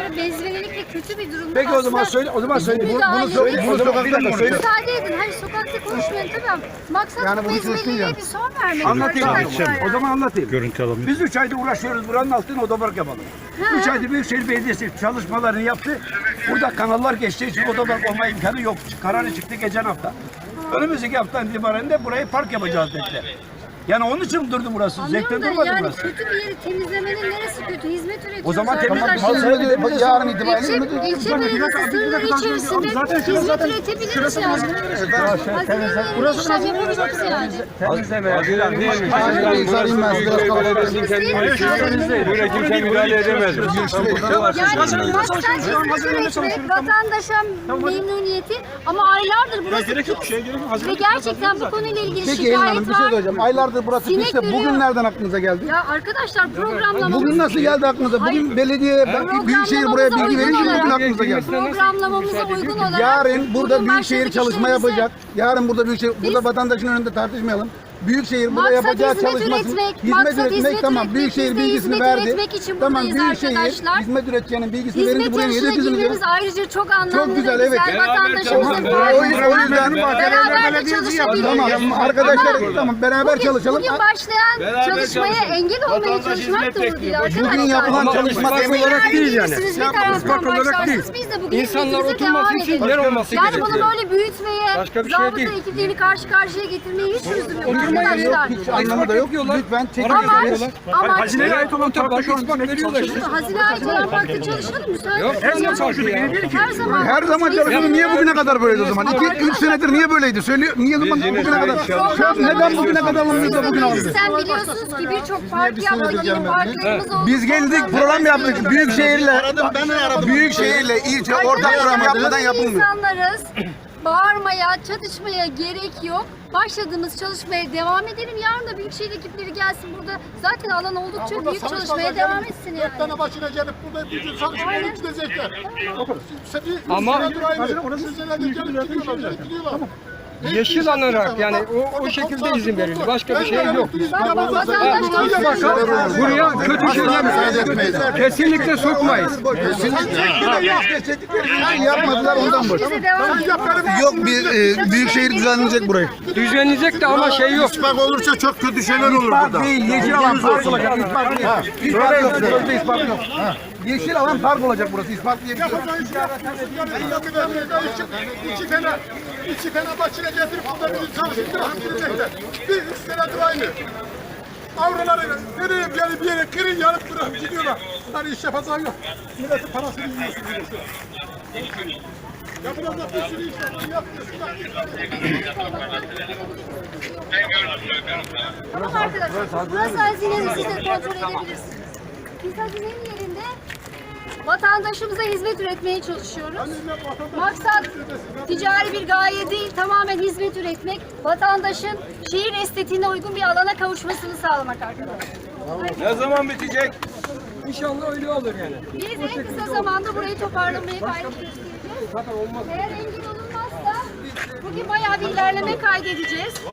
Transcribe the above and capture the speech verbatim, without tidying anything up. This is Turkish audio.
böyle bezvelelik ve kötü bir durum. Peki o zaman söyle, o zaman söyle. Bunu, bunu söyle, bunu sokakta söyle. Müsaade edin. Hayır sokakta konuşmayın tabii ama maksat Yani bu bunu çözsün bezveliliğe ya. bir son vermek. Anlatayım. arkadaşlar yani. O zaman anlatayım. Görüntü alalım. Biz üç ayda uğraşıyoruz buranın altına otopark yapalım. Üç ayda Büyükşehir Belediyesi çalışmalarını yaptı. Burada kanallar geçtiği için otopark olma imkanı yok. Kararı çıktı geçen hafta. Önümüzdeki haftadan itibaren de burayı park yapacağız dediler. Yani onun için durdu burası. Zevkten Anlıyorum da durmadı yani burası. kötü bir yeri temizlemenin neresi kötü? Hizmet üretiyoruz O zaman temiz arkadaşlar. yarın itibaren İlçe, ilçe belediyesi sınırları içerisinde hizmet üretebiliriz yani. Hazineyle işlem yapabiliriz yani. Temizleme. Böyle kimse müdahale edemez. Yani maksat hizmet üretmek, vatandaşa memnuniyeti ama aylardır burası pis. Ve gerçekten bu konuyla ilgili Peki Elin Hanım şikayet bir şey var. söyleyeceğim. Aylardır burası Sinek piste. Bugün yürüyor. nereden aklınıza geldi? Ya arkadaşlar programlamamız... Bugün nasıl geldi aklınıza? Bugün Hayır. belediye, Büyükşehir buraya bilgi verince mi bugün aklınıza geldi? Programlamamıza uygun olarak... Yarın burada bugün Büyükşehir başladık çalışma işlerimize. yapacak. Yarın burada Büyükşehir, burada Biz- vatandaşın önünde tartışmayalım. Büyükşehir burada Maksat yapacağı hizmet çalışmasını, üretmek, hizmet maksat üretmek hizmet tamam. üretmek, Büyükşehir biz de bilgisini hizmet verdi. üretmek için Tamam buradayız Büyükşehir arkadaşlar. hizmet üreteceğinin bilgisini verince Hizmet buraya yarışına niye dökülür? girmemiz ayrıca çok anlamlı. Çok güzel, ve evet. güzel. Vatandaşımızın O- o yüzden beraber de çalışabiliriz. Tamam arkadaşlar Ama tamam beraber bugün, çalışalım. Bugün başlayan çalışmaya engel olmaya çalışmak doğru değil arkadaşlar. Bugün yapılan çalışma Siz tem de olarak yani değil yani. gelirsiniz, bir taraftan başlarsınız. Biz de bugün İnsanlar hizmetimize oturması devam için edelim. yer olması Yani gerekiyor. bunu böyle büyütmeye, Başka bir şey zabıta değil. ekiplerini karşı karşıya getirmeye hiç lüzum yok Oturmaya arkadaşlar. Hiç anlamı da yok. Lütfen çekin. Amaç, amaç Hazineye ait olan parkta şu an veriyorlar işte. hazine ait olan parkta çalışalım müsaade Yok, edin. her zaman çalışıyor ya. Her zaman. Her zaman çalışıyordu. Niye bugüne kadar böyleydi o zaman? İki, üç senedir niye böyleydi? Söylüyor. Niye zaman bugüne kadar? Şu an neden bugüne kadar alındı da bugün alındı? Sen biliyorsunuz ki birçok park yaptık, yeni parklarımız oldu. Biz geldik program yaptık. Büyükşehirle Büyükşehirle ilçe ortak program yapmadan yapılmıyor. İnsanlarız. Bağırmaya, çatışmaya gerek yok. Başladığımız çalışmaya devam edelim. Yarın da Büyükşehir ekipleri gelsin burada. Zaten alan oldukça büyük çalışmaya devam etsin yani. Dört tane başına gelip burada bütün çalışmaya gidecekler. Ama yeşil alınarak yani o, o şekilde izin verildi. Başka bir şey yok. Bak, bak, vatandaş Buraya kötü şeyler kesinlikle sokmayız. Yapmadılar ondan bu. bize devam edelim. Yok bir e, Büyükşehir düzenleyecek burayı. Düzenleyecek de ama şey yok. Bak olursa çok kötü şeyler olur burada. Değil, yeşil alan park olacak. İspat değil. İspat yok. Sözde ispat yok. Yeşil alan park olacak burası. İspat diye bir şey yok. İki tane, iki tane başına getirip burada bizi çalıştırıp gidecekler. Bir üç senedir aynı. Avraları nereye bir yere bir yere kırın yanıp bırakıp gidiyorlar. Hani iş yapacağı yok. Milletin parasını yiyorsunuz. Ya burada bir sürü iş var. Tamam arkadaşlar. Burası hazinenin, siz de kontrol edebilirsiniz. Biz hazinenin yerinde vatandaşımıza hizmet üretmeye çalışıyoruz. Maksat ticari bir gaye değil, tamamen hizmet üretmek, vatandaşın şehir estetiğine uygun bir alana kavuşmasını sağlamak arkadaşlar. Ne zaman bitecek? İnşallah öyle olur yani. Biz en kısa zamanda burayı toparlamaya gayret göstereceğiz. Eğer engel olunmazsa bugün bayağı bir ilerleme kaydedeceğiz.